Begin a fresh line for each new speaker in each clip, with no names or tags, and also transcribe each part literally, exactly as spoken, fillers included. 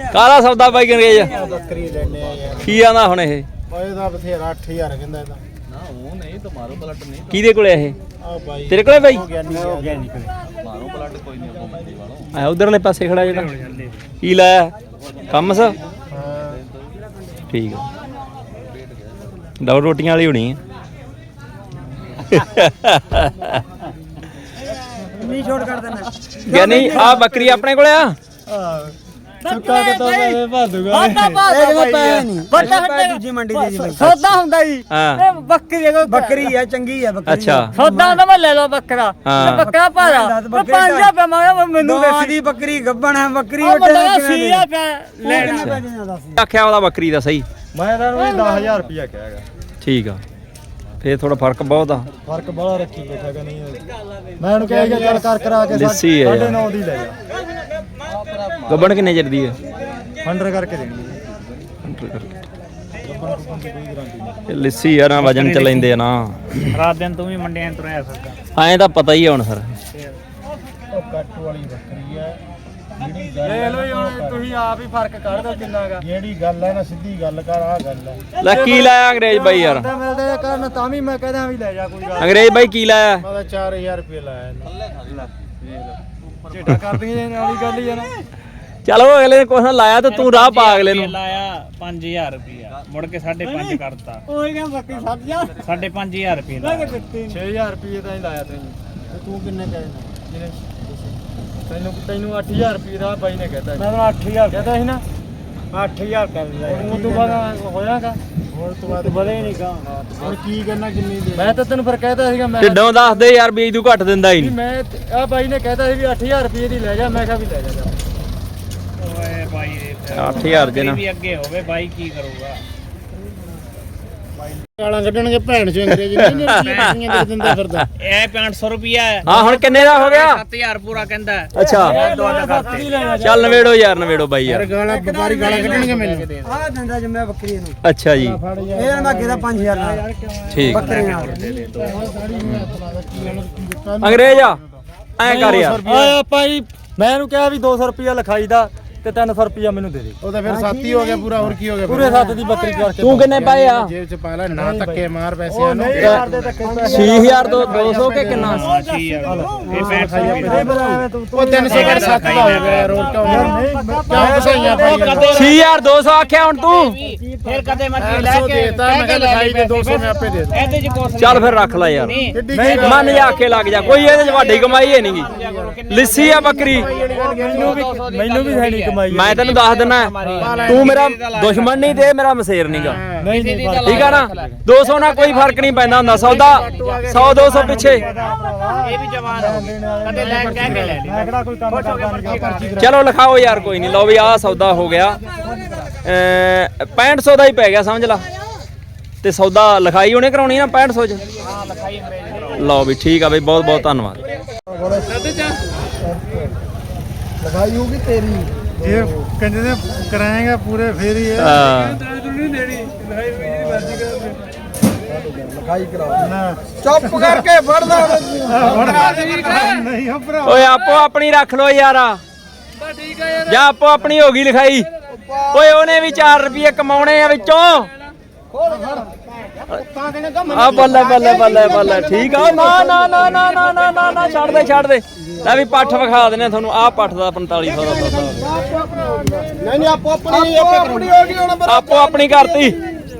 ਕਾਹਦਾ ਸੌਦਾ ਬਾਈ ਅੰਗਰੇਜ਼
ਬੱਕਰੀ ਲੈਣੇ ਆ ਯਾਰ
ਕੀ ਆਂਦਾ ਹੁਣ ਇਹ
ਇਹਦਾ ਬਥੇਰਾ ਅੱਠ ਹਜ਼ਾਰ ਕਹਿੰਦਾ ਇਹਦਾ
ਨਾ ਉਹ ਨਹੀਂ ਤਾਂ ਮਾਰੋ ਪਲਟ ਨਹੀਂ
ਕਿਹਦੇ ਕੋਲੇ ਇਹ
ਆ ਬਾਈ
ਤੇਰੇ ਕੋਲੇ ਬਾਈ
ਹੋ ਗਿਆ ਨਿਕਲੇ
ਮਾਰੋ ਪਲਟ ਕੋਈ ਨਹੀਂ ਉਹ ਮੰਡੀ ਵਾਲੋ
ਆ ਉਧਰਲੇ ਪਾਸੇ ਖੜਾ ਜਿਹੜਾ ਕੀ ਲਾਇਆ ਕੰਮਸ
ਹਾਂ
ਠੀਕ ਆ ਡਬਲ ਰੋਟੀਆਂ ਵਾਲੀ ਹੋਣੀ ਆ
ਨਹੀਂ ਛੋੜ ਕਰ ਦੇਣਾ
ਗਿਆਨੀ ਆ ਬੱਕਰੀ ਆਪਣੇ ਕੋਲੇ ਆ
ਚੁੱਕਾ ਕੇ ਤਾਂ ਮੈਂ ਭਰ ਦੂਗਾ
ਸੌਦਾ
ਪੈਸੇ ਨਹੀਂ
ਵੱਡਾ
ਪੈਸੇ ਦੂਜੀ ਮੰਡੀ ਦੇ ਜੀ ਬਾਈ
ਸੌਦਾ ਹੁੰਦਾ ਜੀ
ਹਾਂ
ਇਹ ਬੱਕਰੀ ਦਾ
ਬੱਕਰੀ ਆ ਚੰਗੀ ਆ ਬੱਕਰੀ
ਅੱਛਾ
ਸੌਦਾ ਹੁੰਦਾ ਮੈਂ ਲੈ ਲਓ ਬੱਕਰਾ
ਹਾਂ।
ਤੇ ਬੱਕਰਾ ਭਾਰਾ
ਬੱਕਰੀ
ਤੇ ਪੰਜ ਰੁਪਏ ਮੰਗਿਆ ਮੈਨੂੰ
ਦੋਹਾਂ
ਦੇ
ਦੀ ਬੱਕਰੀ ਗੱਬਣ ਹੈ ਬੱਕਰੀ
ਉਹ
ਵੱਟੇ
ਬੰਦਾ
ਕਿਵੇਂ
ਸੀ
ਦੇ
ਆ ਲੈਣਾ
ਆਖਿਆ ਉਹਦਾ ਬੱਕਰੀ ਦਾ ਸਹੀ
ਮੈਂ ਤਾਂ ਉਹਨੂੰ ਦਸ ਹਜ਼ਾਰ ਰੁਪਇਆ ਕਹਾਂਗਾ
ਠੀਕ ਆ ਫੇਰ ਥੋੜਾ ਫਰਕ ਬਹੁਤ ਆ
ਫਰਕ ਬੜਾ ਰੱਖੀ ਬੈਠਾ ਕਿ ਨਹੀਂ ਮੈਂ ਉਹਨੂੰ ਕਿਹਾ ਚੱਲ ਕਰ ਕਰਾ ਕੇ
ਲੱਸੀ ਹੈ
ਸਾਢੇ
ਯਾਰ।
ਨੌ ਦੀ ਲੈ ਜਾ
ਗੱਬਣ ਕਿੰਨੇ ਚਿਰ ਦੀ ਹੈ
ਹੰਡਰ ਕਰਕੇ ਦੇਣੀ
ਇਹ ਲੱਸੀ ਆ ਨਾ ਵਜਨ ਚ ਲੈਂਦੇ ਆ ਨਾ
ਰਾਤ ਦਿਨ ਤੂੰ ਵੀ ਮੰਡੀਆਂ ਤੁਰਿਆ ਫਿਰਦਾ
ਐਂ ਤਾਂ ਪਤਾ ਹੀ ਆ ਹੁਣ ਸਰ
ਉਹ ਕੱਟ ਵਾਲੀ ਬੱਕਰੀ ਹੈ ਜਿਹੜੀ ਗੱਲ ਲੈ ਲਓ ਹੁਣ ਤੁਸੀਂ ਆਪ ਹੀ ਫਰਕ ਕੱਢ ਦੋ ਕਿੰਨਾਗਾ ਜਿਹੜੀ ਗੱਲ ਹੈ ਨਾ ਸਿੱਧੀ ਗੱਲ ਕਰ ਆ ਗੱਲ ਹੈ
ਲੈ ਕੀ ਲਾਇਆ ਅੰਗਰੇਜ਼ ਬਾਈ ਯਾਰ
ਮਿਲਦੇ ਕਰਨ ਤਾਂ ਵੀ ਮੈਂ ਕਹਿੰਦਾ ਵੀ ਲੈ ਜਾ ਕੋਈ ਗੱਲ
ਅੰਗਰੇਜ਼ ਬਾਈ ਕੀ ਲਾਇਆ
ਮੈਂ ਤਾਂ ਚਾਰ ਹਜ਼ਾਰ ਰੁਪਏ ਲਾਇਆ ਝੇਟਾ ਕਰਦੀਆਂ ਵਾਲੀ ਗੱਲ ਹੀ ਆ ਨਾ
ਚਲੋ ਅਗਲੇ ਨੇ ਕੁਛ ਨਾ ਲਾਇਆ ਤੇ ਤੂੰ ਰਾਹ ਪਾ ਅਗਲੇ ਨੂੰ
ਲਾਇਆ ਪੰਜ ਹਜ਼ਾਰ ਰੁਪਿਆ ਮੁੜ ਕੇ ਸਾਢੇ ਪੰਜ ਕਰਤਾ
ਕੋਈ ਨਾ ਬੱਕਰੀ ਸੱਤ ਹਜ਼ਾਰ
ਸਾਢੇ ਪੰਜ ਹਜ਼ਾਰ ਰੁਪਏ
ਛੇ ਹਜ਼ਾਰ ਰੁਪਏ ਤਾਂ ਹੀ ਲਾਇਆ ਤੈਨੂੰ ਤੇ ਤੂੰ ਕਿੰਨੇ ਕਹਿੰਦਾ ਜਿਹਨੇ ਤੈਨੂੰ ਤੈਨੂੰ ਅੱਠ ਹਜ਼ਾਰ ਰੁਪਏ ਦਾ ਬਾਈ ਨੇ ਕਹਿਤਾ ਮੈਂ ਤਾਂ ਅੱਠ ਹਜ਼ਾਰ ਕਹਿਤਾ ਸੀ ਨਾ ਅੱਠ ਹਜ਼ਾਰ ਕਰ ਲਿਆ ਉਹ ਤੋਂ ਬਾਅਦ ਹੋਇਆਗਾ ਹੋਰ ਤੋਂ ਬਾਅਦ ਵਧੇ ਨਹੀਂ ਗਾ ਹੁਣ ਕੀ ਕਰਨਾ ਕਿੰਨੀ ਦੇ ਮੈਂ ਤਾਂ ਤੈਨੂੰ ਫਿਰ ਕਹਿਤਾ ਸੀਗਾ ਮੈਂ
ਢਿੱਡੋਂ ਦੱਸ ਦੇ ਯਾਰ ਵੀ ਤੂੰ ਘੱਟ ਦਿੰਦਾ ਹੀ ਨਹੀਂ
ਮੈਂ ਆ ਬਾਈ ਨੇ ਕਹਿਤਾ ਸੀ ਵੀ ਅੱਠ ਹਜ਼ਾਰ ਰੁਪਏ ਦੀ ਲੈ ਜਾ ਮੈਂ ਕਿਹਾ ਵੀ ਲੈ ਜਾ
ਓਏ ਬਾਈ
ਅੱਠ ਹਜ਼ਾਰ ਦੇ ਨਾ
ਵੀ ਅੱਗੇ ਹੋਵੇ ਬਾਈ ਕੀ ਕਰੂਗਾ
ਗਾਲਾਂ ਕੱਢਣਗੇ ਭੈਣ ਚੋਂ ਅੰਗਰੇਜ਼ੀ ਨਹੀਂ ਰੁਪਈਆਂ ਦੇ ਦਿੰਦਾ ਫਿਰਦਾ
ਇਹ ਪੰਜ ਸੌ ਰੁਪਿਆ ਹੈ
ਹਾਂ ਹੁਣ ਕਿੰਨੇ ਦਾ ਹੋ ਗਿਆ
ਸੱਤ ਹਜ਼ਾਰ ਪੂਰਾ ਕਹਿੰਦਾ
ਅੱਛਾ
ਦੁਆਰਾ ਕਰਤੇ
ਚੱਲ ਨਵੇੜੋ ਯਾਰ ਨਵੇੜੋ ਬਾਈ ਯਾਰ
ਗਾਲਾਂ ਵਪਾਰੀ ਗਾਲਾਂ ਕੱਢਣਗੇ ਮੈਨੂੰ
ਆ ਦਿੰਦਾ ਜਿੰਮੇ ਬੱਕਰੀ ਨੂੰ
ਅੱਛਾ ਜੀ
ਇਹ ਨਾ ਕਿਹਦਾ ਪੰਜ ਹਜ਼ਾਰ ਨਾਲ
ਠੀਕ
ਬੱਕਰੀ ਨਾਲ
ਅੰਗਰੇਜ਼ ਆ ਐਂ ਕਰ ਯਾਰ
ਓਏ ਭਾਈ ਮੈਂ ਇਹਨੂੰ ਕਿਹਾ ਵੀ ਦੋ ਸੌ ਰੁਪਿਆ ਲਿਖਾਈ ਦਾ ਤੇ ਤਿੰਨ ਸੌ ਰੁਪਿਆ ਮੈਨੂੰ ਦੇ ਦੇ ਉਹ ਤਾਂ ਫਿਰ ਸਾਥੀ ਹੋ ਗਿਆ ਪੂਰਾ ਹੋਰ ਕੀ ਹੋ ਗਿਆ ਪੂਰੇ ਸੱਤ ਦੀ ਬੱਕਰੀ ਕਰਕੇ
ਤੂੰ ਕਿੰਨੇ ਪਾਏ ਆ
ਜੇਬ ਚ ਪਾ ਲੈ ਨਾ ਧੱਕੇ ਮਾਰ ਪੈਸਿਆਂ ਨੂੰ
ਛੇ ਹਜ਼ਾਰ ਦੋ ਸੌ ਕੇ ਕਿੰਨਾ
ਇਹ ਪੈਸੇ
ਉਹ ਤਿੰਨ ਸੌ ਕਰ ਸੱਤ ਦਾ ਹੋ ਗਿਆ ਯਾਰ ਹੋਰ ਕਿਉਂ ਕਿਉਂ ਫਸਾਈਆਂ ਪਾਈਆਂ
ਛੇ ਹਜ਼ਾਰ ਦੋ ਸੌ ਆਖਿਆ ਹੁਣ ਤੂੰ
ਫਿਰ ਕਦੇ ਮਰਜ਼ੀ ਲੈ ਕੇ
ਦੇਤਾ ਮੈਂ ਕਿਹਾ ਲਿਖਾਈ ਦੇ ਦੋ ਸੌ ਮੈਂ ਆਪੇ ਦੇ ਦੇ
ਇਹਦੇ ਚ ਕੁਛ
ਚੱਲ ਫਿਰ ਰੱਖ ਲੈ ਯਾਰ
ਨਹੀਂ
ਮਨ ਜਾ ਕੇ ਲੱਗ ਜਾ ਕੋਈ ਇਹਦੇ ਚ ਵੱਡੀ ਕਮਾਈ ਹੈ ਨਹੀਂਗੀ ਲੱਸੀ ਆ ਬੱਕਰੀ
ਮੈਨੂੰ ਵੀ ਮੈਨੂੰ ਵੀ ਹੈ ਨਹੀਂ ਕਮਾਈ
ਮੈਂ ਤੈਨੂੰ ਦੱਸ ਦਿੰਦਾ ਤੂੰ ਮੇਰਾ ਦੁਸ਼ਮਣ ਨਹੀਂ ਤੇ ਮੇਰਾ ਮਸੇਰ ਨਹੀਂਗਾ
ਨਹੀਂ ਨਹੀਂ
ਠੀਕ ਆ ਨਾ ਦੋ ਸੌ ਨਾਲ ਕੋਈ ਫਰਕ ਨਹੀਂ ਪੈਂਦਾ ਹੁੰਦਾ ਸੌਦਾ ਸੌ ਦੋ ਸੌ ਪਿੱਛੇ
ਇਹ ਵੀ ਜਵਾਨ ਹੋ ਕਦੇ ਲੈ ਕੇ ਕਹਿ ਕੇ ਲੈ ਲਈ
ਮੈਂ ਕਿਹੜਾ ਕੋਈ ਕੰਮ ਕਰਦਾ ਨਹੀਂ ਪਰਚੀ
ਚਲੋ ਲਿਖਾਓ ਯਾਰ ਕੋਈ ਨਹੀਂ ਲਓ ਵੀ ਆਹ ਸੌਦਾ ਹੋ ਗਿਆ ਪੈਂਹਠ ਸੌ ਦਾ ਹੀ ਪੈ ਗਿਆ ਸਮਝ ਲਾ ਤੇ ਸੌਦਾ ਲਿਖਾਈ ਉਹਨੇ ਕਰਾਉਣੀ ਨਾ ਪੈਂਹਠ ਸੌ ਚ
ਹਾਂ ਲਿਖਾਈ ਅੰਗਰੇਜ਼ੀ
ਲਓ ਵੀ ਠੀਕ ਆ ਬਈ ਬਹੁਤ ਬਹੁਤ ਧੰਨਵਾਦ
ਲਗਾਈ ਹੋਊਗੀ ਤੇਰੀ ਜੇ ਕਹਿੰਦੇ ਨੇ ਕਰਾਏਗਾ ਪੂਰੇ ਫੇਰ ਹੀ ਹੈ
ਹਾਂ
ਲਗਾਈ ਕਰਾ ਨਾ ਚੁੱਪ ਕਰਕੇ ਫੜ ਲੈ ਨਹੀਂ ਹੋ ਭਰਾ
ਓਏ ਆਪੋ ਆਪਣੀ ਰੱਖ ਲੋ ਯਾਰ
ਠੀਕ ਹੈ ਯਾਰ
ਜਾਂ ਆਪੋ ਆਪਣੀ ਹੋ ਗਈ ਲਿਖਾਈ ਓਏ ਉਹਨੇ ਵੀ ਚਾਰ ਰੁਪਏ ਕਮਾਉਣੇ ਆ ਵਿੱਚੋਂ ਆ ਬੱਲੇ ਬੱਲੇ ਬੱਲੇ ਬੱਲੇ ਠੀਕ ਆ ਨਾ ਨਾ ਨਾ ਨਾ ਨਾ ਨਾ ਨਾ ਨਾ ਛੱਡ ਦੇ ਛੱਡ ਦੇ ਲੈ ਵੀ ਪੱਠ ਵਿਖਾ ਦਿੰਦੇ ਤੁਹਾਨੂੰ ਆਹ ਪੱਠ ਦਾ ਪੰਤਾਲੀ ਸੌ ਦਾ ਸੌਦਾ
ਨਹੀਂ ਨਹੀਂ ਆਪੋ ਆਪਣੀ ਆਪਣੀ ਹੋ ਗਈ ਹੁਣ
ਆਪੋ ਆਪਣੀ ਕਰਤੀ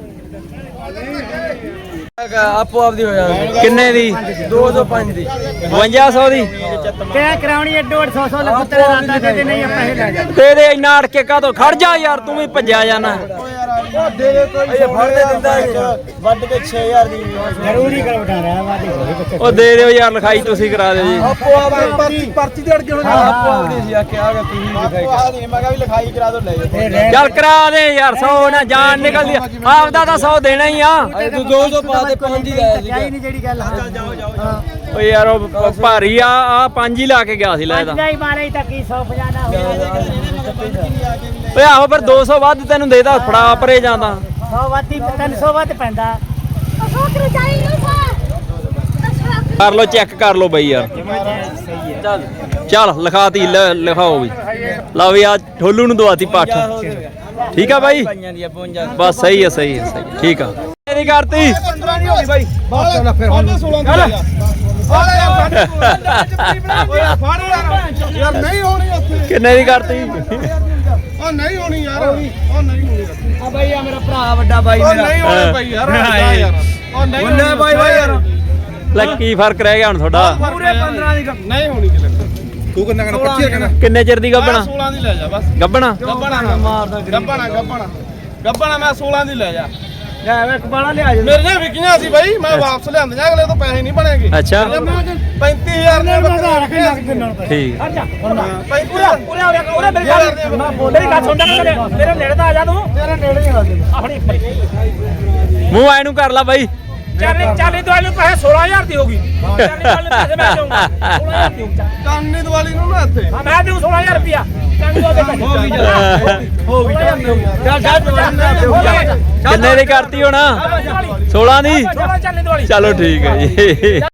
ਆਪੋ ਆਪਦੀ ਹੋ ਜਾਣੀ
ਕਿੰਨੇ ਦੀ
ਦੋ ਸੌ ਪੰਜ ਦੀ
ਬਵੰਜਾ ਸੌ ਦੀ
ਕਿਆ ਕਰਾਉਣੀ ਹੈ ਡੇਢ ਸੌ ਸੌ ਲੱਖ ਤੇਰੇ ਰਾਤਾ ਦੇ ਨਹੀਂ ਪੈਸੇ ਲੈ ਜਾ
ਤੇ ਦੇ ਇੰਨਾ ਅੜ ਕੇ ਕਾਹਤੋਂ ਖੜ ਜਾ ਯਾਰ ਤੂੰ ਵੀ ਭੱਜਿਆ ਜਾਣਾ
ਦੇ ਦੇ ਕੋਈ ਇਹ ਫੜ ਦੇ ਦਿੰਦਾ ਵੱਢ ਕੇ ਛੇ ਹਜ਼ਾਰ ਦੀ
ਜ਼ਰੂਰੀ ਕਰ ਬਿਠਾ ਰਿਹਾ ਵਾਦੇ ਹੋਵੇ
ਉਹ ਦੇ ਦਿਓ ਯਾਰ ਲਿਖਾਈ ਤੁਸੀਂ ਕਰਾ ਦਿਓ ਜੀ
ਆਪੋ ਆਪਦੀ ਪਰਚੀ ਪਰਚੀ ਤੇ ਅੜ ਕੇ ਹੋਣਾ ਆਪੋ ਆਪਦੀ ਸੀ ਆ ਕੇ ਆ ਗਿਆ ਤੁਸੀਂ ਲਿਖਾਈ ਆ ਨਹੀਂ ਮੈਂ ਕਿਹਾ ਵੀ ਲਿਖਾਈ ਕਰਾ ਦੋ ਲੈ ਜਾ
ਚੱਲ ਕਰਾ ਦੇ ਯਾਰ ਸੌ ਨਾ ਜਾਨ ਨਿਕਲਦੀ ਆਪਦਾ ਤਾਂ ਸੌ ਦੇਣਾ ਹੀ ਆ
ਤੂੰ ਦੋ ਸੌ ਪਾ ਦੇ ਪੰਜ ਹੀ ਲਾਇਆ ਸੀ
ਨਹੀਂ ਜਿਹੜੀ ਗੱਲ ਹਾਂ ਜਾਓ ਜਾਓ
ਓ ਯਾਰ ਉਹ ਭਾਰੀ ਆ ਆ ਪੰਜ ਹੀ ਲਾ ਕੇ ਗਿਆ ਸੀ ਲੈ ਇਹਦਾ
ਨਹੀਂ ਮਾਰੇ ਤਾਂ ਕੀ ਸੌ ਪੰਜਾਹ ਨਾ ਹੋਵੇ
ਓਏ ਆਹੋ ਫਿਰ ਦੋ ਸੌ ਵੱਧ ਤੈਨੂੰ ਦੇਦਾ ਫੜਾ ਪਰੇ ਜਾਂਦਾ
ਸੌ ਵਾਤੀ ਤਿੰਨ ਸੌ ਵੱਧ ਪੈਂਦਾ
ਕਰ ਲੋ ਚੈੱਕ ਕਰ ਲੋ ਬਈ ਯਾਰ ਚੱਲ ਚੱਲ ਲਿਖਾਤੀ ਲਿਖਾਓ ਵੀ ਲਓ ਵੀ ਆ ਠੋਲੂ ਨੂੰ ਦਵਾਤੀ ਪੱਠ ਠੀਕ ਆ ਬਾਈ
ਪਾਈਆਂ ਦੀ ਬਵੰਜਾ
ਬਸ ਸਹੀ ਹੈ ਸਹੀ ਹੈ ਸਹੀ ਹੈ, ਠੀਕ ਆ ਮੇਰੀ ਕਰਤੀ
ਪੰਦਰਾਂ ਨਹੀਂ ਹੋਈ ਬਾਈ ਬਸ ਚੱਲ ਫਿਰ ਹੁਣ ਸੋਲਾਂ ਦੀ
ਯਾਰ ਨਹੀਂ ਹੋਣੀ ਉੱਥੇ
ਕਿੰਨੇ ਦੀ ਕਰਤੀ
ਉਹ ਨਹੀਂ ਹੋਣੀ ਯਾਰ ਉਹ ਨਹੀਂ ਹੋਣੀ
ਆ ਬਾਈ ਆ ਮੇਰਾ ਭਰਾ ਵੱਡਾ ਬਾਈ
ਉਹ
ਮੇਰਾ
ਨਹੀਂ ਹੋਣੀ ਭਾਈ ਯਾਰ ਯਾਰ ਉਹ ਨਹੀਂ
ਉਹਨੇ ਬਾਈ ਬਾਈ ਯਾਰ
ਲੈ ਕੀ ਫਰਕ ਰਹਿ ਗਿਆ ਹੁਣ ਤੁਹਾਡਾ
ਪੂਰੇ ਪੰਦਰਾਂ ਦੀ
ਨਹੀਂ ਹੋਣੀ ਕਿ ਤੂੰ ਕਿੰਨਾ ਕਹਿੰਦਾ ਪੱਚੀ ਕਹਿੰਦਾ
ਕਿੰਨੇ ਚਿਰ ਦੀ ਗੱਬਣਾ
ਸੋਲਾਂ ਦੀ ਲੈ ਜਾ ਬਸ
ਗੱਬਣਾ
ਗੱਬਣਾ
ਮਾਰਦਾ
ਗੱਬਣਾ ਗੱਬਣਾ ਗੱਬਣਾ ਮੈਂ ਸੋਲਾਂ ਦੀ ਲੈ ਜਾ
ਲੈ ਵੇ ਕਬਾਲਾ ਲਿਆ ਜੇ
ਮੇਰੇ ਨੇ ਵਿਕੀਆਂ ਸੀ ਬਾਈ ਮੈਂ ਵਾਪਸ ਲਿਆਂਦੀਆਂ ਅਗਲੇ ਤੋਂ ਪੈਸੇ ਨਹੀਂ ਬਣੇਗੇ
ਅੱਛਾ
ਪੈਂਤੀ ਹਜ਼ਾਰ ਨੇ
ਠੀਕ
ਪੈਂਤੀ
ਉਰੇ ਆ ਉਰੇ ਮੇਰੀ ਗੱਲ ਮੇਰੀ ਗੱਲ ਸੁਣਦਾ ਮੇਰੇ ਮੇਰੇ ਨੇੜੇ ਤਾਂ ਆ ਜਾ ਤੂੰ ਤੇਰੇ ਨੇੜੇ ਹੀ ਆ ਆਪਣੀ
ਮੂੰਹ ਐ ਨੂੰ ਕਰ ਲਾ ਬਾਈ
ਚਾਲੀ ਚਾਲੀ ਦਵਾਈ ਨੂੰ ਪੈਸੇ ਸੋਲਾਂ ਹਜ਼ਾਰ ਦੀ ਹੋਗੀ ਚਾਲੀ ਦਵਾਈ ਨੂੰ ਪੈਸੇ ਮੈਂ ਦੇਊਂਗਾ ਸੋਲਾਂ ਹਜ਼ਾਰ ਦੀ ਹੋਊਗਾ
ਕਾਨੀ ਦੀਵਾਲੀ ਨੂੰ ਨਾ ਇੱਥੇ
ਹਾਂ ਮੈਂ ਦੇਊਂ ਸੋਲਾਂ ਹਜ਼ਾਰ ਰੁਪਿਆ ਹੋ ਗਈ ਹੋ ਗਈ ਚੱਲ ਚੱਲ
ਕਿੰਨੇ ਦੀ ਕਰਤੀ ਹੋਣਾ ਸੋਲਾਂ ਦੀ
ਸੋਲਾਂ ਚਾਲੀ ਦਵਾਈ
ਚਲੋ ਠੀਕ ਹੈ ਜੀ